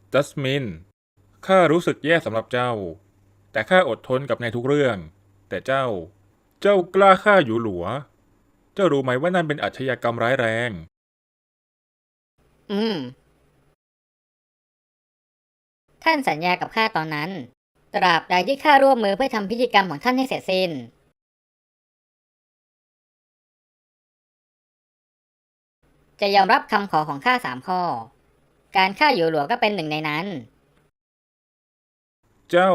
จัสมินข้ารู้สึกแย่สำหรับเจ้าแต่ข้าอดทนกับในทุกเรื่องแต่เจ้ากล้าฆ่าหยูหลัวเจ้ารู้ไหมว่านั่นเป็นอาชญากรรมร้ายแรงอืมท่านสัญญากับข้าตอนนั้นตราบใดที่ข้าร่วมมือเพื่อทำพิธีกรรมของท่านให้เสร็จสิ้นจะยอมรับคำขอของข้า3 ข้อการฆ่าหยูหลัวก็เป็นหนึ่งในนั้นเจ้า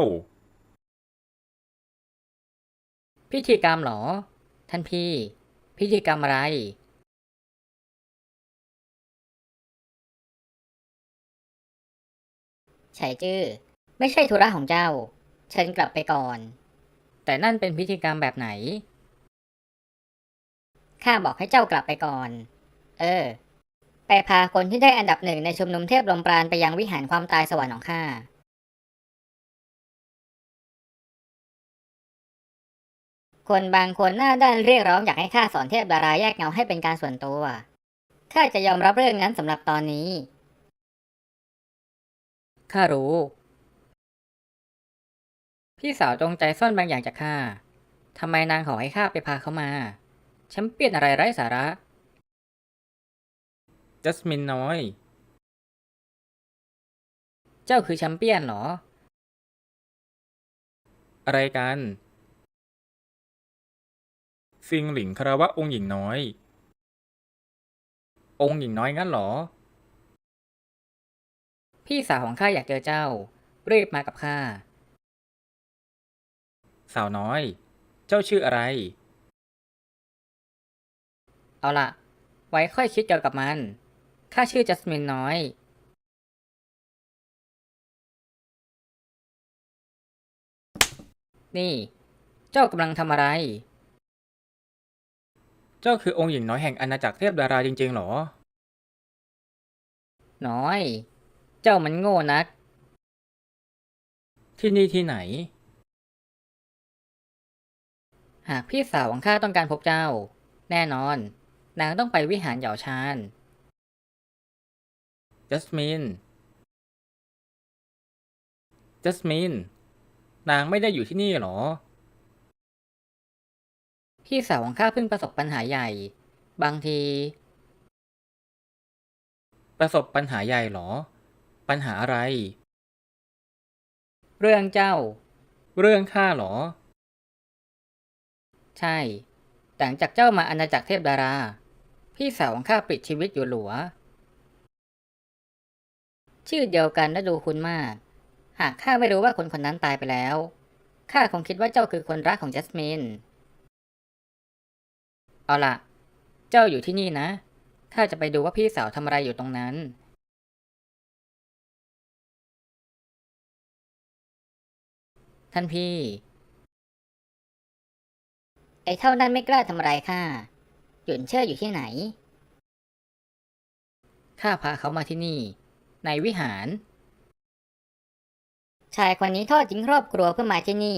พิธีกรรมเหรอท่านพี่พิธีกรรมอะไรไฉจื้อไม่ใช่ธุระของเจ้าเชิญกลับไปก่อนแต่นั่นเป็นพิธีกรรมแบบไหนข้าบอกให้เจ้ากลับไปก่อนเออไปพาคนที่ได้อันดับ 1ในชุมนุมเทพลมปราณไปยังวิหารความตายสวรรค์ของข้าคนบางคนหน้าด้านเรียกร้องอยากให้ข้าสอนเทพดาราแยกเงาให้เป็นการส่วนตัวข้าจะยอมรับเรื่องนั้นสำหรับตอนนี้ข้ารู้พี่สาวจงใจซ่อนบางอย่างจากข้าทำไมนางขอให้ข้าไปพาเขามาแชมเปี้ยนอะไรไร้สาระจัสมินน้อยเจ้าคือแชมเปี้ยนเหรออะไรกันซิงหลิงคารวะองค์หญิงน้อยองค์หญิงน้อยงั้นเหรอพี่สาวของข้าอยากเจอเจ้ารีบมากับข้าสาวน้อยเจ้าชื่ออะไรเอาล่ะไว้ค่อยคิดเกี่ยวกับมันข้าชื่อจัสมินน้อยนี่เจ้ากำลังทำอะไรเจ้าคือองค์หญิงน้อยแห่งอาณาจักรเทพดาราจริงๆเหรอน้อยเจ้ามันโง่นักที่นี่ที่ไหนหากพี่สาวของข้าต้องการพบเจ้าแน่นอนนางต้องไปวิหารเหยาชานจัสมินจัสมินนางไม่ได้อยู่ที่นี่เหรอพี่สาวของข้าเพิ่งประสบปัญหาใหญ่บางทีประสบปัญหาใหญ่เหรอปัญหาอะไรเรื่องเจ้าเรื่องข้าเหรอใช่หลังจากเจ้ามาอาณาจักรเทพดาราพี่สาวของข้าปลิดชีวิตอยู่หลัวชื่อเดียวกันและดูคุ้นมากหากข้าไม่รู้ว่าคนคนนั้นตายไปแล้วข้าคงคิดว่าเจ้าคือคนรักของจัสมินเอาล่ะเจ้าอยู่ที่นี่นะข้าจะไปดูว่าพี่สาวทำอะไรอยู่ตรงนั้นท่านพี่ไอ้เท่านั้นไม่กล้าทำอะไรข้าหยุนเชิดอยู่ที่ไหนข้าพาเขามาที่นี่ในวิหารชายคนนี้ทอดทิ้งครอบครัวเพื่อมาที่นี่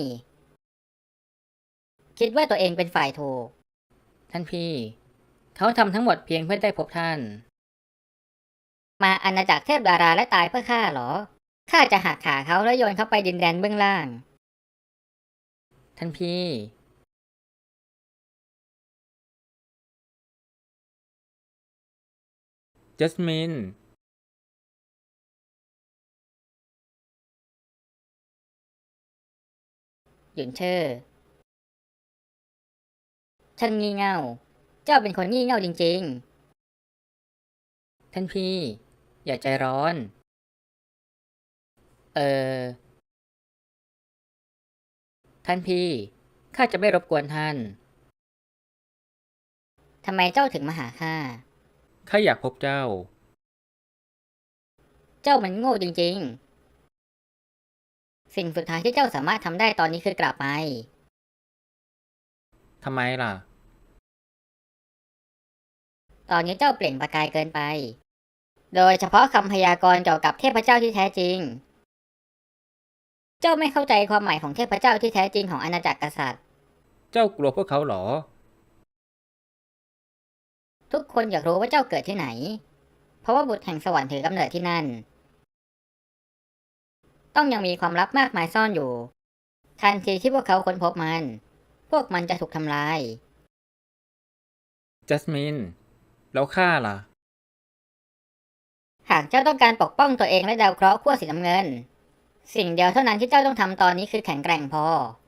คิดว่าตัวเองเป็นฝ่ายถูกท่านพี่เขาทำทั้งหมดเพียงเพื่อได้พบท่านมาอาณาจักรเทพดาราและตายเพื่อข้าเหรอข้าจะหักขาเขาแล้วโยนเขาไปดินแดนเบื้องล่างท่านพี่จัสมินหยุนเชอร์ท่านงี่เง่าเจ้าเป็นคนงี่เง่าจริงๆท่านพี่อย่าใจร้อนเออท่านพี่ข้าจะไม่รบกวนท่านทำไมเจ้าถึงมาหาข้าข้าอยากพบเจ้าเจ้ามันโง่จริงๆสิ่งสุดท้ายที่เจ้าสามารถทำได้ตอนนี้คือกลับไปทำไมล่ะตอนนี้เจ้าเปล่งประกายเกินไปโดยเฉพาะคำพยากรณ์เกี่ยวกับเทพเจ้าที่แท้จริงเจ้าไม่เข้าใจความหมายของเทพเจ้าที่แท้จริงของอาณาจักรกษัตริย์เจ้ากลัวพวกเขาเหรอทุกคนอยากรู้ว่าเจ้าเกิดที่ไหนเพราะว่าบุตรแห่งสวรรค์ถือกำเนิดที่นั่นต้องยังมีความลับมากมายซ่อนอยู่ ทันทีที่พวกเขาค้นพบมัน พวกมันจะถูกทำลายจัสมิน แล้วข้าล่ะหากเจ้าต้องการปกป้องตัวเองและดาวเคราะห์ขั้วสีน้ำเงิน สิ่งเดียวเท่านั้นที่เจ้าต้องทำตอนนี้คือแข็งแกร่งพอ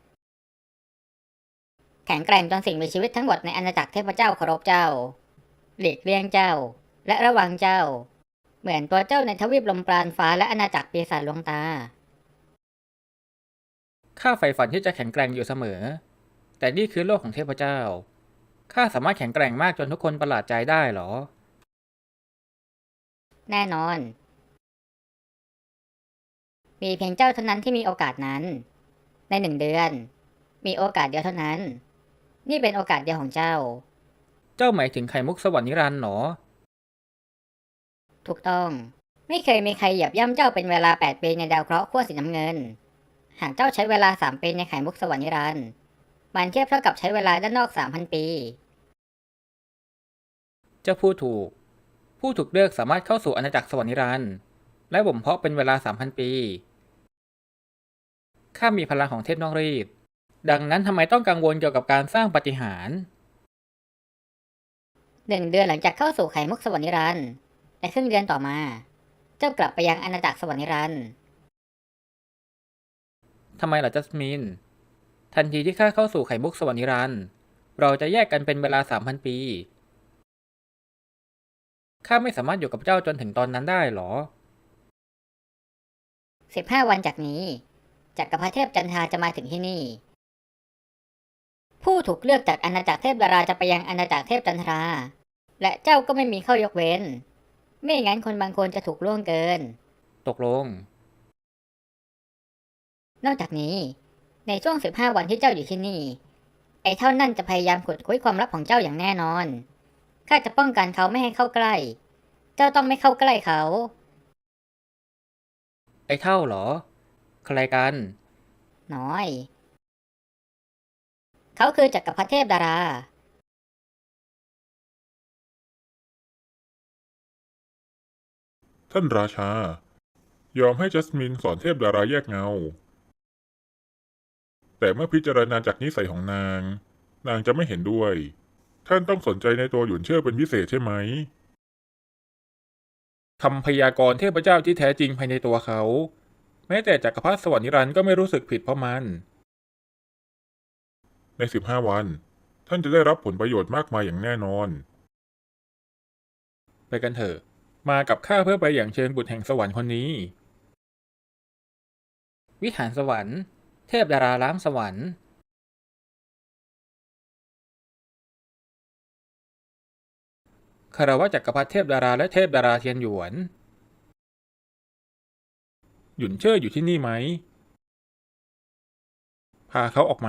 แข็งแกร่งจนสิ่งมีชีวิตทั้งหมดในอาณาจักรเทพเจ้าเคารพเจ้า หลีกเลี่ยงเจ้า และระวังเจ้า เหมือนตัวเจ้าในทวีปลมปราณฟ้าและอาณาจักรปีศาจลวงตาข้าใฝ่ฝันที่จะแข็งแกร่งอยู่เสมอ แต่นี่คือโลกของเทพเจ้า ข้าสามารถแข็งแกร่งมากจนทุกคนประหลาดใจได้เหรอแน่นอน มีเพียงเจ้าเท่านั้นที่มีโอกาสนั้น ใน1 เดือน มีโอกาสเดียวเท่านั้น นี่เป็นโอกาสเดียวของเจ้าเจ้าหมายถึงไข่มุกสวรรค์นิรันดร์เหรอถูกต้อง ไม่เคยมีใครเหยียบย่ำเจ้าเป็นเวลา8 ปีในดาวเคราะห์ขั้วสีน้ำเงิน หากเจ้าใช้เวลา3 ปีในไข่มุกสวรรค์นิรันดร์มันเทียบเท่ากับใช้เวลาด้านนอก 3,000 ปีเจ้าพูดถูก ผู้ถูกเลือกสามารถเข้าสู่อาณาจักรสวรรค์นิรันดร์และบ่มเพาะเป็นเวลา 3,000 ปี ข้ามีพลังของเทพนอกรีด ดังนั้นทำไมต้องกังวลเกี่ยวกับการสร้างปาฏิหาริย์ 1 เดือนหลังจากเข้าสู่ไข่มุกสวรรค์นิรันดร์ในครึ่งเดือนต่อมา เจ้ากลับไปยังอาณาจักรสวรรค์นิรันดร์ทำไมล่ะจัสมิน ทันทีที่ข้าเข้าสู่ไข่มุกสวรรค์นิรันดร์เราจะแยกกันเป็นเวลา 3,000 ปี ข้าไม่สามารถอยู่กับเจ้าจนถึงตอนนั้นได้หรอ 15 วันจากนี้จักรพรรดิเทพจันทราจะมาถึงที่นี่ ผู้ถูกเลือกจากอาณาจักรเทพดาราจะไปยังอาณาจักรเทพจันทรา และเจ้าก็ไม่มีข้อยกเว้น ไม่งั้นคนบางคนจะถูกล่วงเกินตกลงนอกจากนี้ ในช่วง 15 วันที่เจ้าอยู่ที่นี่ ไอ้เท่านั่นจะพยายามขุดคุยความลับของเจ้าอย่างแน่นอน ข้าจะป้องกันเขาไม่ให้เข้าใกล้ เจ้าต้องไม่เข้าใกล้เขาไอ้เท่าเหรอ ใครกันน้อย เขาคือจักรพรรดิเทพดาราท่านราชา ยอมให้จัสมินสอนเทพดาราแยกเงา แต่เมื่อพิจารณาจากนิสัยของนาง นางจะไม่เห็นด้วย ท่านต้องสนใจในตัวหยุนเชื่อเป็นพิเศษใช่ไหมคำพยากรณ์เทพเจ้าที่แท้จริงภายในตัวเขา แม้แต่จักรพรรดิสวรรค์นิรันดร์ก็ไม่รู้สึกผิดเพราะมัน ใน15 วัน ท่านจะได้รับผลประโยชน์มากมายอย่างแน่นอน ไปกันเถอะ มากับข้าเพื่อไปอย่างเชิญบุตรแห่งสวรรค์คนนี้วิหารสวรรค์ เทพดาราล้างสวรรค์คารวะจักรพรรดิเทพดาราและเทพดาราเทียนหยวน หยุนเชิ่ออยู่ที่นี่ไหม พาเขาออกมา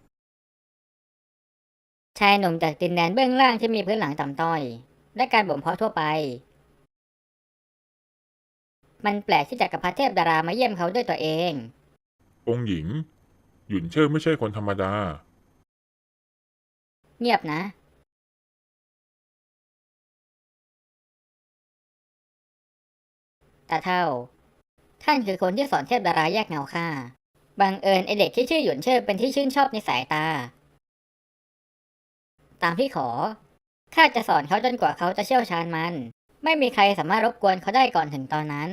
ชายหนุ่มจากดินแดนเบื้องล่างที่มีพื้นหลังต่ำต้อย และการบ่มเพาะทั่วไป มันแปลกที่จักรพรรดิเทพดารามาเยี่ยมเขาด้วยตัวเององค์หญิง หยุนเชิ่อไม่ใช่คนธรรมดาเงียบนะ ตาเท่า ท่านคือคนที่สอนเทพดาราแยกเงาข้า บังเอิญไอเด็กที่ชื่อหยวนเชิ่อเป็นที่ชื่นชอบในสายตา ตามที่ขอ ข้าจะสอนเขาจนกว่าเขาจะเชี่ยวชาญมัน ไม่มีใครสามารถรบกวนเขาได้ก่อนถึงตอนนั้น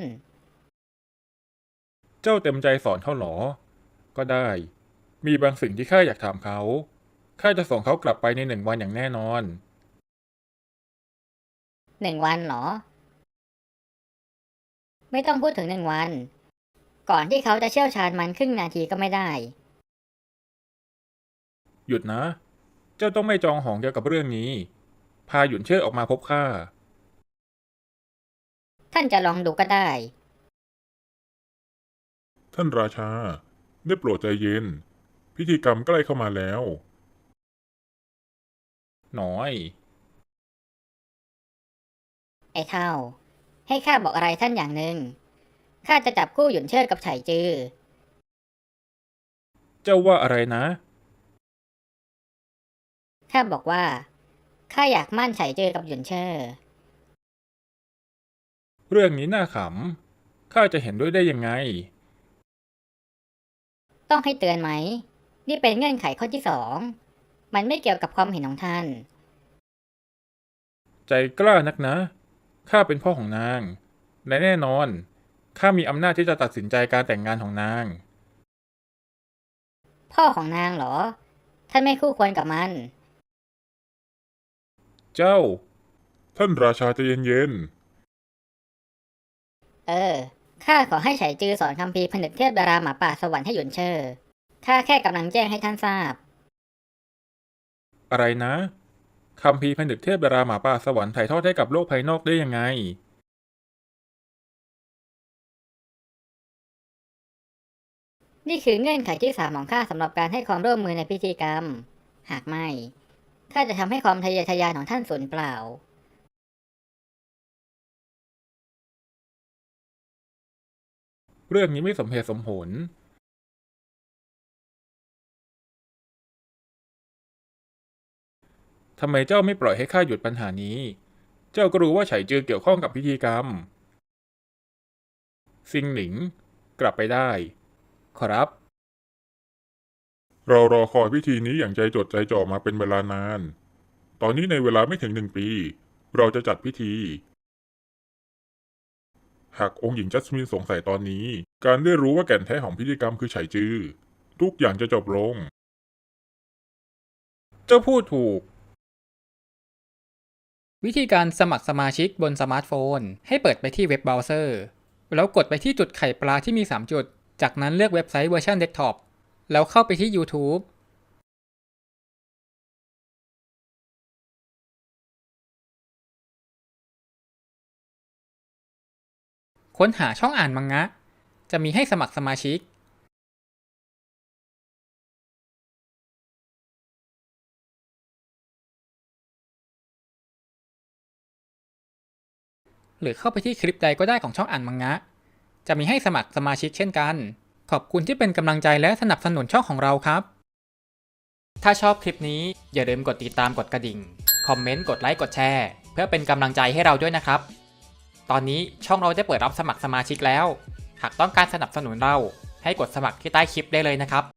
เจ้าเต็มใจสอนเขาหรอ ก็ได้ มีบางสิ่งที่ข้าอยากถามเขา ข้าจะส่งเขากลับไปใน1 วันอย่างแน่นอน 1 วันเหรอ ไม่ต้องพูดถึง1 วัน ก่อนที่เขาจะเชี่ยวชาญมันครึ่งนาทีก็ไม่ได้หยุดนะ เจ้าต้องไม่จองหองเกี่ยวกับเรื่องนี้ พาหยุนเชิ่อออกมาพบข้าท่านจะลองดูก็ได้ท่านราชา ได้โปรดใจเย็น พิธีกรรมใกล้เข้ามาแล้ว น้อยไอ้เท่า ให้ข้าบอกอะไรท่านอย่างหนึ่ง ข้าจะจับคู่หยุนเชิดกับไฉจือเจ้าว่าอะไรนะข้าบอกว่า ข้าอยากมั่นไฉจือกับหยุนเชิดเรื่องนี้น่าขำ ข้าจะเห็นด้วยได้ยังไงต้องให้เตือนไหม นี่เป็นเงื่อนไขข้อที่สอง มันไม่เกี่ยวกับความเห็นของท่านใจกล้านักนะ ข้าเป็นพ่อของนาง และแน่นอน ข้ามีอำนาจที่จะตัดสินใจการแต่งงานของนางพ่อของนางเหรอ ท่านไม่คู่ควรกับมันเจ้า ท่านราชาใจเย็นข้าขอให้ไฉจือสอนคัมภีร์ผนึกเทพดาราหมาป่าสวรรค์ให้หยุนเชอข้าแค่กำลังแจ้งให้ท่านทราบๆ อะไรนะคัมภีร์ผนึกเทพดาราหมาป่าสวรรค์ถ่ายทอดให้กับโลกภายนอกได้ยังไงนี่คือเงื่อนไขที่สามของข้าสำหรับการให้ความร่วมมือในพิธีกรรม หากไม่ ข้าจะทำให้ความทะเยอทะยานของท่านสูญเปล่าเรื่องนี้ไม่สมเหตุสมผล ทำไมเจ้าไม่ปล่อยให้ข้าหยุดปัญหานี้ เจ้าก็รู้ว่าไฉจือเกี่ยวข้องกับพิธีกรรม ซิงหนิง กลับไปได้ ครับเรารอคอยพิธีนี้อย่างใจจดใจจ่อมาเป็นเวลานาน ตอนนี้ในเวลาไม่ถึง1 ปี เราจะจัดพิธี หากองค์หญิงจัสมินสงสัยตอนนี้ การได้รู้ว่าแก่นแท้ของพิธีกรรมคือไฉจือ ทุกอย่างจะจบลงเจ้าพูดถูกวิธีการสมัครสมาชิกบนสมาร์ทโฟน ให้เปิดไปที่เว็บเบราว์เซอร์ แล้วกดไปที่จุดไข่ปลาที่มี 3 จุด จากนั้นเลือกเว็บไซต์เวอร์ชันเดสก์ท็อป แล้วเข้าไปที่ YouTube ค้นหาช่องอ่านมังงะ จะมีให้สมัครสมาชิก หรือเข้าไปที่คลิปใดก็ได้ของช่องอ่านมังงะ จะมีให้สมัครสมาชิกเช่นกัน ขอบคุณที่เป็นกำลังใจและสนับสนุนช่องของเราครับ ถ้าชอบคลิปนี้อย่าลืมกดติดตามกดกระดิ่ง คอมเมนต์ กดไลค์ กดแชร์ เพื่อเป็นกำลังใจให้เราด้วยนะครับ ตอนนี้ช่องเราได้เปิดรับสมัครสมาชิกแล้ว หากต้องการสนับสนุนเราให้กดสมัครที่ใต้คลิปได้เลยนะครับ